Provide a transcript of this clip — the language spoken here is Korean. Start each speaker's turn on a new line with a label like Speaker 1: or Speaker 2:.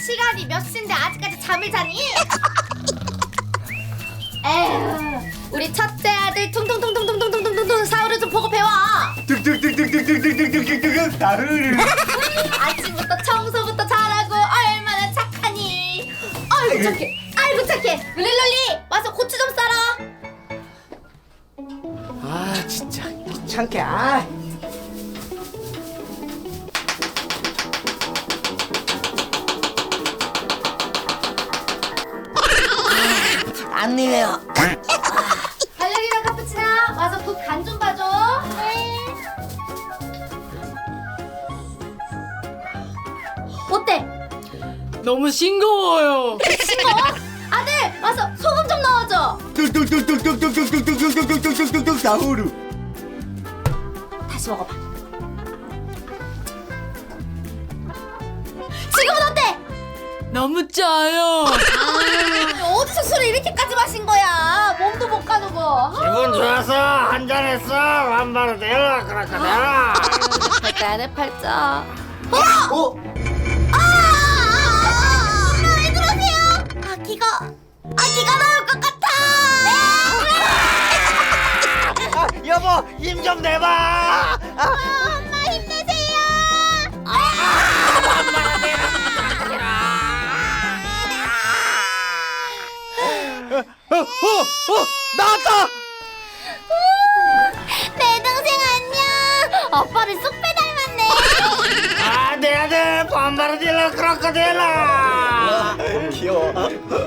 Speaker 1: 시간이 몇 시인데 아직까지 잠을 자니? 에휴, 우리 첫째 아들 퉁퉁퉁퉁퉁퉁퉁퉁퉁 사우를 좀 보고 배워.
Speaker 2: 뚝뚝뚝뚝뚝뚝뚝뚝뚝뚝 나으르.
Speaker 1: 아침부터 청소부터 잘하고 얼마나 착하니. 아이고 착해, 아이고 착해. 룰리룰리 와서 고추 좀 썰어.
Speaker 2: 아 진짜 귀찮게. 아. 안 내려.
Speaker 1: 발레리나 카푸치나 와서 국 간 좀 봐줘. 어때?
Speaker 3: 너무 싱거워요.
Speaker 1: 싱거워? 아들 와서 소금 좀 넣어줘.
Speaker 2: 뚝뚝뚝뚝뚝뚝뚝뚝뚝뚝뚝뚝뚝뚝 나으르.
Speaker 1: 다시 먹어봐. 지금은 어때?
Speaker 3: 너무 짜요.
Speaker 1: 어디서 술을 이렇게까지 마신 거야? 몸도 못 가누고.
Speaker 4: 기분 좋아서 한잔했어. 완바로 되라 그라카데라.
Speaker 1: 팔자네 팔자.
Speaker 2: 어?
Speaker 1: 왜 그러세요? 아기가 나올 것 같아.
Speaker 4: 여보 힘 좀 내봐.
Speaker 1: 엄마 힘내세요.
Speaker 4: 나왔다.
Speaker 1: 내 동생 안녕. 오빠를 쏙 빼닮았네.
Speaker 4: 아, 내 아들 완바로 되라 그라카데라.
Speaker 2: 귀여워.